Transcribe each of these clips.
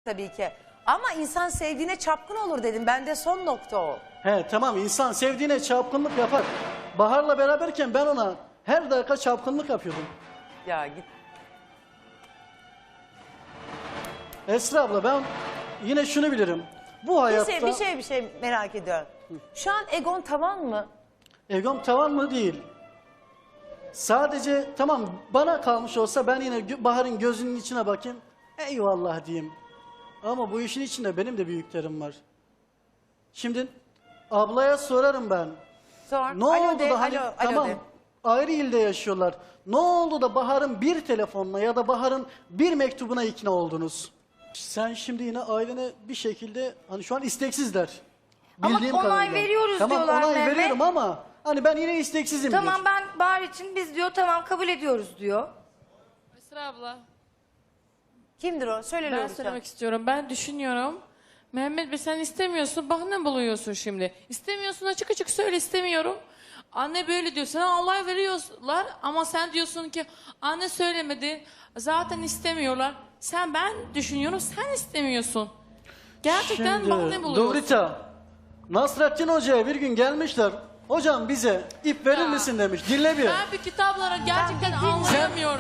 tabii ki. Ama insan sevdiğine çapkın olur dedim. Bende son nokta o. He tamam, insan sevdiğine çapkınlık yapar. Bahar'la beraberken ben ona her dakika çapkınlık yapıyordum. Ya git. Esra abla, ben yine şunu bilirim. Bu hayatta... Bir şey merak ediyorum. Şu an egon tavan mı? Egom tavan mı? Değil. Sadece tamam, bana kalmış olsa ben yine Bahar'ın gözünün içine bakayım. Eyvallah diyeyim. Ama bu işin içinde benim de büyüklerim var. Şimdi ablaya sorarım ben. Sor. Ne Alo oldu de, da hani alo tamam de. ayrı ilde yaşıyorlar. Ne oldu da Bahar'ın bir telefonla ya da Bahar'ın bir mektubuna ikna oldunuz? Sen şimdi yine ailene bir şekilde hani şu an isteksizler. Ama Bildiğim onay kadarıyla. veriyoruz tamam, diyorlar onay Mehmet. veriyorum ama hani ben yine isteksizim. Tamam, ben Bahar için biz diyor tamam kabul ediyoruz diyor. Esra abla, Kimdir o? Söyle ben Lorusa. söylemek istiyorum. Ben düşünüyorum. Mehmet Bey, sen istemiyorsun. Bak ne buluyorsun şimdi. İstemiyorsun, açık açık söyle, istemiyorum. Anne böyle diyor. Sana olay veriyorlar ama sen diyorsun ki anne söylemedi. Zaten istemiyorlar. Ben düşünüyorum, sen istemiyorsun. Gerçekten Şimdi bak ne buluyorsun. Lovrita, Nasrettin Hoca'ya bir gün gelmişler. Hocam bize ip verir Ya. misin demiş. Dinle bir. Ben bir kitaplara gerçekten anlayamıyorum.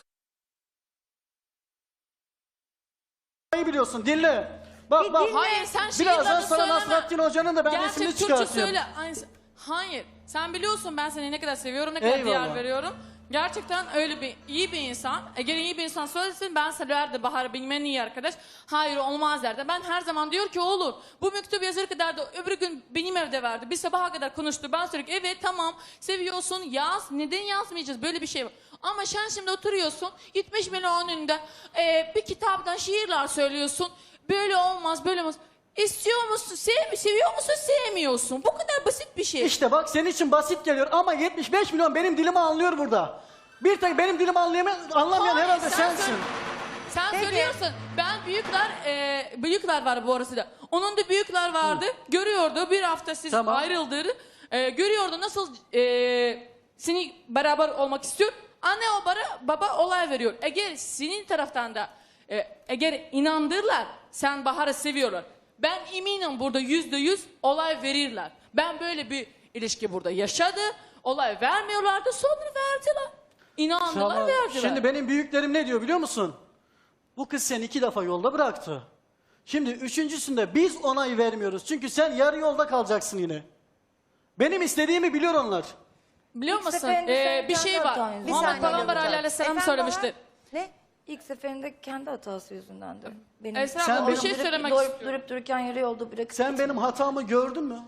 Neyi biliyorsun? Dinle. Bak bak. Hayır, sen Birazdan şiirlerini sana söyleme. Nasrettin Hoca'nın da ben Gerçek resmini Türkçe çıkartayım. söyle. Hayır. Sen biliyorsun ben seni ne kadar seviyorum, ne kadar Eyvallah. değer veriyorum. Gerçekten öyle iyi bir insan. Eğer iyi bir insan söylesin ben severdi Bahar'ı bilmen iyi arkadaş. Hayır olmaz derdi. Ben her zaman diyor ki olur. Bu mektup yazır kadar da öbür gün benim evde verdi. Bir sabaha kadar konuştu. Ben sürekli evet tamam seviyorsun yaz. Neden yazmayacağız? Böyle bir şey var. Ama sen şimdi oturuyorsun 70 milyon önünde bir kitaptan şiirler söylüyorsun. Böyle olmaz böyle olmaz. İstiyor musun? Seviyor musun? Sevmiyorsun. Bu kadar basit bir şey. İşte bak senin için basit geliyor ama 75 milyon benim dilimi anlıyor burada. Bir tek benim dilimi anlamayan Hayır, herhalde sen sensin. Sen söylüyorsun. Ben büyükler var bu arası da. Onun da büyükler vardı. Görüyordu bir hafta siz Tamam. ayrıldı. Görüyordu nasıl seni beraber olmak istiyor. Anne baba olay veriyor. Eğer senin taraftan da eğer inandırlar sen Bahar'ı seviyorlar. Ben eminim burada %100 olay verirler. Ben böyle bir ilişki burada yaşadı. Olay vermiyorlardı sonra verdiler. İnandılar Tamam. verdiler. Şimdi benim büyüklerim ne diyor biliyor musun? Bu kız seni 2 defa yolda bıraktı. Şimdi üçüncüsünde biz onay vermiyoruz. Çünkü sen yarı yolda kalacaksın yine. Benim istediğimi biliyor onlar. Biliyor İlk musun? seferinde sen Bir şey kendi var. hatan yüzünden Muhammed Peygamber yapacağım. Aleyhisselam Efendim söylemişti. Ne? İlk seferinde kendi hatası yüzündendi. Benim Esra Sen abla bir benim- şey söylemek durup, istiyorum. durup dururken yarı yolda bırakıp Sen gitme. benim hatamı gördün mü?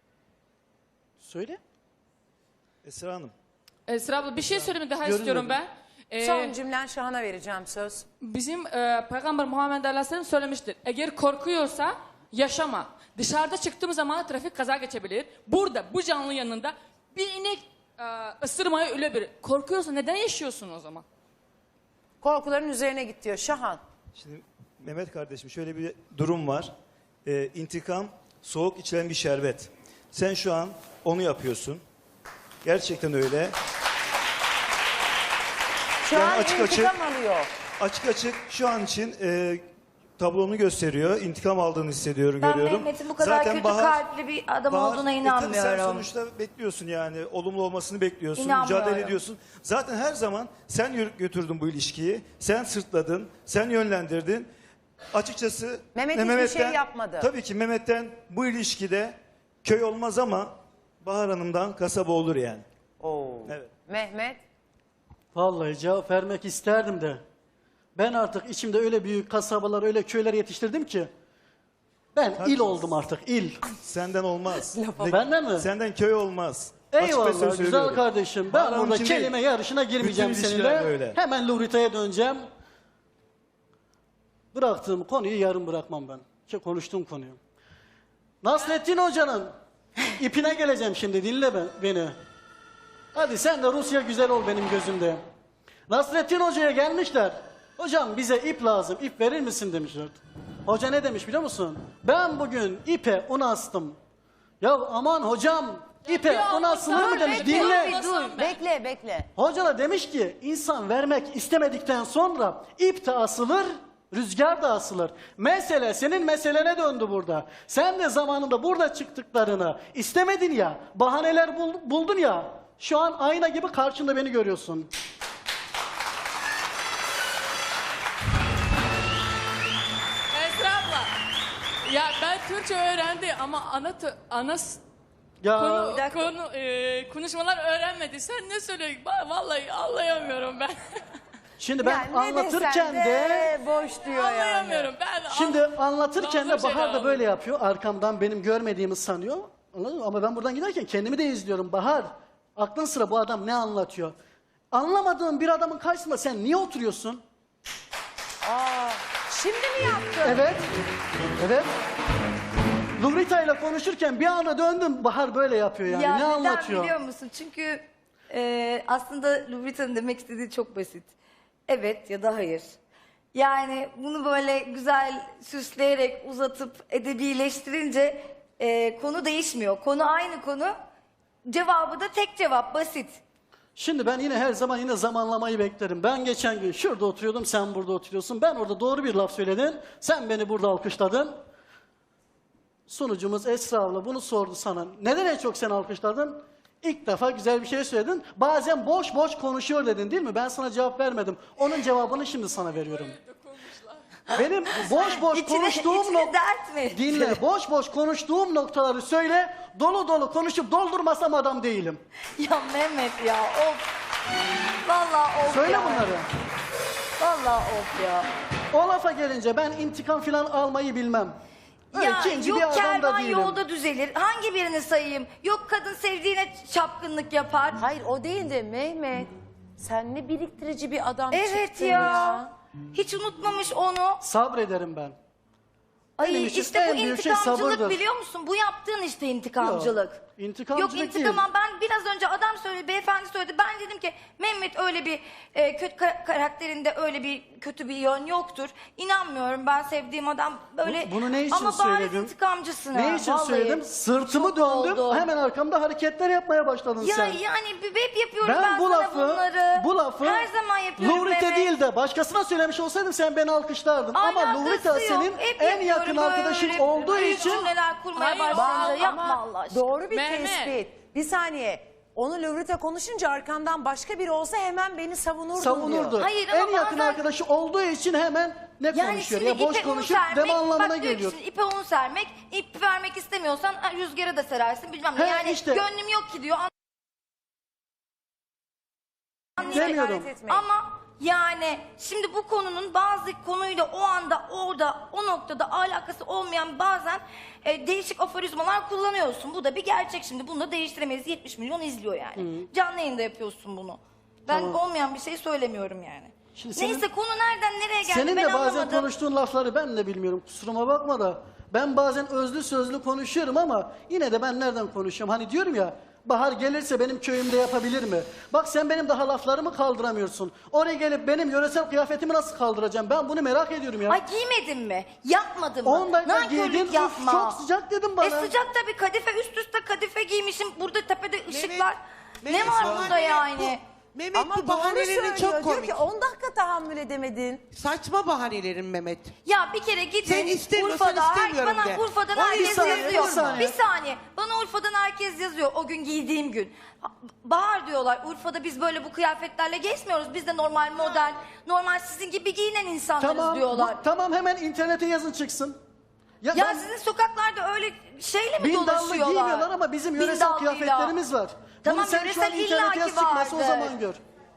Söyle. Esra Hanım. Esra abla bir şey söylemek daha Görünmedi. istiyorum ben. Son cümlen Şahan'a vereceğim söz. Bizim Peygamber Muhammed Aleyhisselam söylemiştir. Eğer korkuyorsa yaşama. Dışarıda çıktığım zaman trafik kaza geçebilir. Burada bu canlı yanında bir inek ısırmaya ölebilir. Korkuyorsa neden yaşıyorsun o zaman? Korkuların üzerine git diyor Şahan. Şimdi Mehmet kardeşim şöyle bir durum var. İntikam soğuk içilen bir şerbet. Sen şu an onu yapıyorsun. Gerçekten öyle. Şu Yani an açık intikam alıyor. Açık açık şu an için tablonu gösteriyor. İntikam aldığını hissediyorum, Ben görüyorum. Mehmet'in bu kadar kötü kalpli bir adam olduğuna tabii inanmıyorum. sen sonuçta bekliyorsun yani. Olumlu olmasını bekliyorsun. İnanmıyorum. Mücadele ediyorsun. Zaten her zaman sen götürdün bu ilişkiyi. Sen sırtladın. Sen yönlendirdin. Açıkçası Mehmet hiçbir şey yapmadı. Tabii ki Mehmet'ten bu ilişkide köy olmaz ama Bahar Hanım'dan kasaba olur yani. Oo. Evet. Mehmet. Vallahi cevap vermek isterdim de. Ben artık içimde öyle büyük kasabalar, öyle köyler yetiştirdim ki. Ben il oldum artık, il. Senden olmaz. Benden mi? Senden köy olmaz. Açık ve Eyvallah söz güzel söylüyorum. kardeşim. Ben Bahar Hanım burada için kelime değil. yarışına girmeyeceğim Bütün seninle. ilişkiler böyle. Hemen Lurita'ya döneceğim. Bıraktığım konuyu yarım bırakmam ben. Konuştuğum konuyu. Nasrettin Hoca'nın ipine geleceğim şimdi, dinle beni. Hadi sen de Rusya güzel ol benim gözümde. Nasrettin Hoca'ya gelmişler. Hocam bize ip lazım, ip verir misin demişler. Hoca ne demiş biliyor musun? Ben bugün ipe un astım. Ya aman hocam, ipe un asılır mı demiş. Dinle. Dur. Bekle. Hoca da demiş ki insan vermek istemedikten sonra ip de asılır, Rüzgar da asılır. Mesele senin meselene döndü burada. Sen de zamanında burada çıktıklarını istemedin ya, bahaneler buldun ya. Şu an ayna gibi karşında beni görüyorsun. Esra abla. Ya ben Türkçe öğrendi ama Ya konuşmalar öğrenmedi. Sen ne söylüyorsun? Vallahi anlayamıyorum ben. şimdi ben Yani ne anlatırken desen de boş diyor yani. Anlayamıyorum ben. şimdi anlatırken de Bazı Bahar da şeyler böyle yapıyor. Arkamdan benim görmediğimi sanıyor. Anladın mı? Ama ben buradan giderken kendimi de izliyorum. Bahar, aklın sıra bu adam ne anlatıyor? Anlamadığın bir adamın karşısında sen niye oturuyorsun? Şimdi mi yaptın? Evet. Evet. Lumrita ile konuşurken bir anda döndüm. Bahar böyle yapıyor yani. Ya ne neden anlatıyor? biliyor musun? Çünkü aslında Lubrita'nın demek istediği çok basit. Evet ya da hayır. Yani bunu böyle güzel süsleyerek uzatıp edebileştirince konu değişmiyor. Konu aynı konu. Cevabı da tek cevap, basit. Şimdi ben yine her zaman yine zamanlamayı beklerim. Ben geçen gün şurada oturuyordum, sen burada oturuyorsun. Ben orada doğru bir laf söyledin, sen beni burada alkışladın. Sunucumuz Esra abla bunu sordu sana. Neden en çok sen alkışladın? İlk defa güzel bir şey söyledin. Bazen boş boş konuşuyor dedin değil mi? Ben sana cevap vermedim. Onun cevabını şimdi sana veriyorum. Benim boş boş İçine konuştuğum dert mi? dinle. Boş boş konuştuğum noktaları söyle. Dolu dolu konuşup doldurmasam adam değilim. Ya Mehmet ya of. Vallahi of Söyle ya. bunları. Vallahi of ya. O lafa gelince ben intikam falan almayı bilmem. Öyle Ya ikinci yok bir adam da kervan değilim. yolda düzelir. Hangi birini sayayım? Yok kadın sevdiğine çapkınlık yapar. Hayır o değil de Mehmet. Sen ne biriktirici bir adam Evet çıktın ya. Hiç unutmamış onu. Sabrederim ben. Benim Ay için işte en bu büyük şey intikamcılık sabırdır. biliyor musun? Bu yaptığın işte intikamcılık. Yok, intikamcılık Yok intikam değil. ben biraz önce adam söyledi, beyefendi söyledi. Ben dedim ki Mehmet öyle bir kötü karakterinde öyle bir kötü bir yön yoktur. İnanmıyorum ben sevdiğim adam böyle. Bunu ne için ama bariz söyledim? intikamcısın. Ne ha, için vallahi. söyledim? Sırtımı Çok döndüm. oldu. Hemen arkamda hareketler yapmaya başladın Ya sen. yani hep yapıyorum ben, Ben bu sana lafı, bunları. bu lafı her zaman yapıyorum Lumrita Mehmet. değil de başkasına söylemiş olsaydım sen beni alkışlardın. Ama Alakası Lumrita yok. senin Hep en yapıyorum yakın arkadaşın böyle olduğu büyük için cümleler kurmaya Hayır, başlayınca Ama yapma Allah aşkına. doğru bir Mehmet. tespit. Bir saniye. Onu Lovrita konuşunca arkandan başka biri olsa hemen beni savunurdun savunurdu. diyor. Hayır, ama en yakın bazen- arkadaşı olduğu için hemen ne Yani konuşuyor şimdi ya boş ipe un konuşup sermek, deme anlamına bak diyor ki geliyor. şimdi ipe un sermek, ip vermek istemiyorsan rüzgara da serarsın bilmem ne. He, Yani işte. gönlüm yok ki diyor. Demiyorum. Hakaret etmeyin. Ama yani şimdi bu konunun bazı konuyla o anda orada o noktada alakası olmayan bazen değişik aforizmalar kullanıyorsun. Bu da bir gerçek şimdi. Bunu da değiştiremeyiz. 70 milyon izliyor yani. Canlı yayında yapıyorsun bunu. Ben Tamam. olmayan bir şey söylemiyorum yani. Şimdi senin- Neyse konu nereden nereye geldi Senin ben de bazen anlamadım. konuştuğun lafları ben de bilmiyorum. Kusuruma bakma da. Ben bazen özlü sözlü konuşuyorum ama yine de ben nereden konuşuyorum? Hani diyorum ya Bahar gelirse benim köyümde yapabilir mi? Bak sen benim daha laflarımı kaldıramıyorsun. Oraya gelip benim yöresel kıyafetimi nasıl kaldıracağım? Ben bunu merak ediyorum ya. Ay giymedin mi? Yapmadın mı? 10 dakika Nankörlük giydin, üf, yapma. çok sıcak dedim bana. Sıcak tabii kadife üst üste kadife giymişim. Burada tepede ışıklar. Mehmet, ne var Bahar, burada Mehmet, yani? Mehmet Ama bu doğru bahanelerin söylüyor. çok Diyor komik. ki 10 dakika tahammül edemedin. Saçma bahanelerin Mehmet. Ya bir kere gidin Sen istemiyorsan Urfa'da, istemiyorum bana de. Urfa'dan O herkes insan- yazıyor. bir saniye. Bir saniye. Bana Urfa'dan herkes yazıyor o gün giydiğim gün. Bahar diyorlar Urfa'da biz böyle bu kıyafetlerle gezmiyoruz. Biz de normal modern, normal sizin gibi giyinen insanlarız Tamam, diyorlar. tamam hemen internete yazın çıksın. Ya ben- sizin sokaklarda öyle şeyle mi Bindallı dolaşıyorlar? giymiyorlar ama bizim yöresel Bindallıyla. kıyafetlerimiz var. Tamam, Bunu sen şu an yöresel internete yaz illaki çıkmasa o vardır. zaman gör.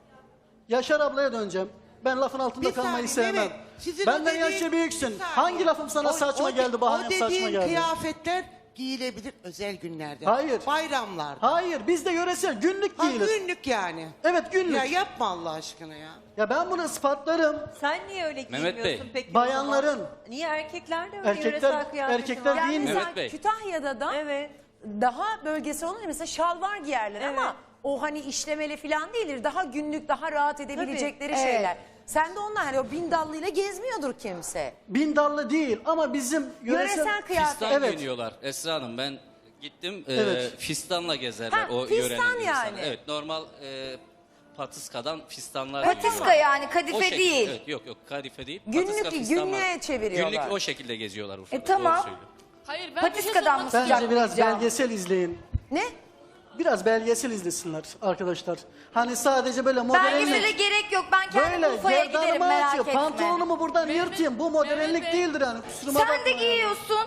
Yaşar ablaya döneceğim. Ben lafın altında Bir kalmayı saniye, sevmem. Mehmet, sizin Benden o dediğin- yaşça büyüksün. Bir saniye. Hangi lafım sana saçma geldi, Bahar'ın O saçma dediğin geldi? kıyafetler giyilebilir özel günlerde. Hayır. Bayramlarda. Hayır, bizde yöresel günlük Ha, giyilir. günlük yani. Evet, günlük. Ya Ya, yapma Allah aşkına ya. ben bunu ispatlarım. Sen niye öyle Mehmet giymiyorsun Bey. peki? o Bayanların. zaman? Niye erkekler de öyle yöresel kıyafeti Erkekler var? Yani giyinmiyor. mesela Mehmet Bey. Kütahya'da da Evet. daha bölgesel olunca mesela şalvar giyerler Evet. ama o hani işlemeli falan değildir. Daha günlük, daha rahat edebilecekleri Tabii. şeyler. Sen de onlar hani o bindallıyla gezmiyordur kimse. Bindallı değil ama bizim Yöresel kıyafet. Fistan Evet. giyiniyorlar Esra Hanım. Ben gittim Evet. fistanla gezerler Ha, o fistan yörenin yani. insanı. Evet normal patiskadan fistanlar Patiska yani, O kadife şekilde, değil. Evet, yok kadife değil. Günlük- Patiska, fistan var. günlüğe çeviriyorlar. Günlük o şekilde geziyorlar Urfa'da. Tamam. Doğru söylüyor. Hayır ben Patiskadan mı sıcak Bence biraz diyeceğim? belgesel izleyin. Ne? Biraz belgesel izlesinler arkadaşlar. Hani sadece böyle Belgesele modellik. gerek yok. Ben kendim Böyle Urfa'ya giderim, gerdanımı merak açıyor. etme. Pantolonumu buradan Mehmet- yırtayım. Bu modellik Mehmet Bey. değildir yani. Kusuruma Sen de bakma yani. giyiyorsun.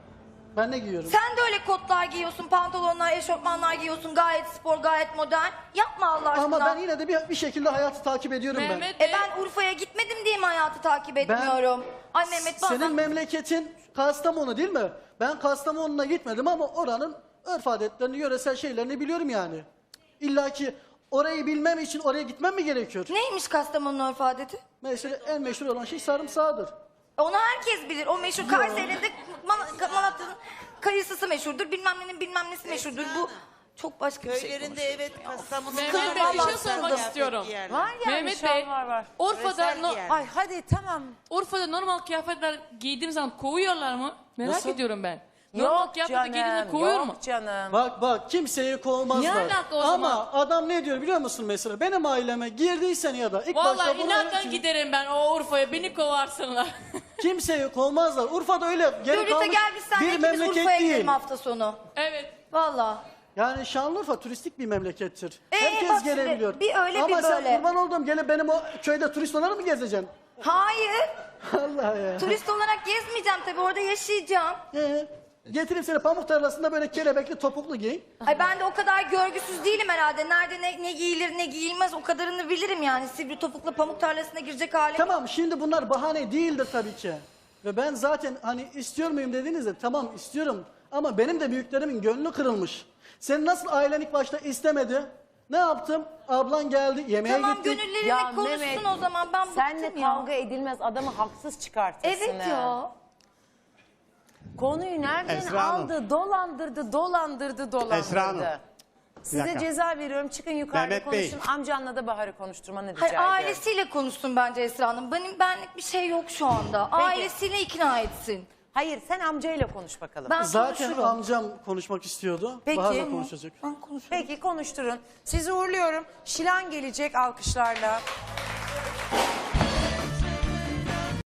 Ben ne giyiyorum? Sen de öyle kotlar giyiyorsun, pantolonlar, eşofmanlar giyiyorsun. Gayet spor, gayet modern. Yapma Allah aşkına. Ama ben yine de bir şekilde hayatı takip ediyorum ben. Mehmet Bey, Ben Urfa'ya gitmedim diye mi hayatı takip etmiyorum? Ay Mehmet bazen... Senin memleketin Kastamonu değil mi? Ben Kastamonu'na gitmedim ama oranın örf adetlerini, yöresel şeylerini biliyorum yani. İlla ki orayı bilmem için oraya gitmem mi gerekiyor? Neymiş Kastamonu'nun örf adeti? Mesela en meşhur olan şey sarımsağıdır. Onu herkes bilir. O meşhur Kayseri'de Malatya'nın kayısısı meşhurdur. Bilmem nenin bilmem nesi meşhurdur. Bu çok başka bir şey. Köylerinde evet Kastamonu. Mehmet Bey, bir şey sormak istiyorum. Var yani Mehmet şal Bey, var. Urfa'da, Yöresel giyer. Ay hadi tamam. Urfa'da normal kıyafetler giydiğim zaman kovuyorlar mı? Merak Nasıl? ediyorum ben. Normal Yok kıyafetler giydiğinde canım, kovuyor mu? yok canım. Bak kimseyi kovmazlar. Ne alaka o Ama zaman? adam ne diyor biliyor musun mesela? Benim aileme girdiysen ya da ilk Vallahi başta bunların inattan için giderim ben o Urfa'ya, beni kovarsınlar. kimseyi kovmazlar. Urfa'da öyle geri Lolita kalmış gel biz seninle bir ikimiz memleket Urfa'ya değil. gidelim hafta sonu. Evet. Valla. Yani Şanlıurfa turistik bir memlekettir. bak Herkes şimdi, gelebiliyor. bir öyle, Ama bir sen böyle. kurban olduğum gelip benim o köyde turist olarak mı gezeceksin? Hayır. Allah ya. Turist olarak gezmeyeceğim tabii. Orada yaşayacağım. Getireyim seni pamuk tarlasında böyle kelebekli topuklu giy. Ay ben de o kadar görgüsüz değilim herhalde. Nerede ne giyilir ne giyilmez o kadarını bilirim yani. Sivri topukla pamuk tarlasına girecek halim. Tamam şimdi bunlar bahane değildir tabii ki. Ve ben zaten hani istiyor muyum dediğinizde tamam istiyorum. Ama benim de büyüklerimin gönlü kırılmış. Sen nasıl ailen ilk başta istemedi? Ne yaptım? Ablan geldi yemeğe Tamam gittik. gönüllerini Ya konuşsun Mehmet, o zaman. Ben Seninle bıktım ya. kavga edilmez, adamı haksız çıkartırsın. Evet ha. ya. Konuyu nereden Esra Hanım. aldı? Dolandırdı. Esra Hanım. Size dakika. ceza veriyorum. Çıkın yukarıda Mehmet Bey. konuşun. Amcanla da Bahar'ı konuşturmanı rica Hayır ediyorum. ailesiyle konuşsun bence Esra Hanım. Benlik bir şey yok şu anda. Ailesiyle ikna etsin. Hayır sen amcayla konuş bakalım. Ben Zaten konuşurum. amcam konuşmak istiyordu. Peki. Bahar'la konuşacak. Ben konuşurum. Peki konuşturun. Sizi uğurluyorum. Şilan gelecek alkışlarla.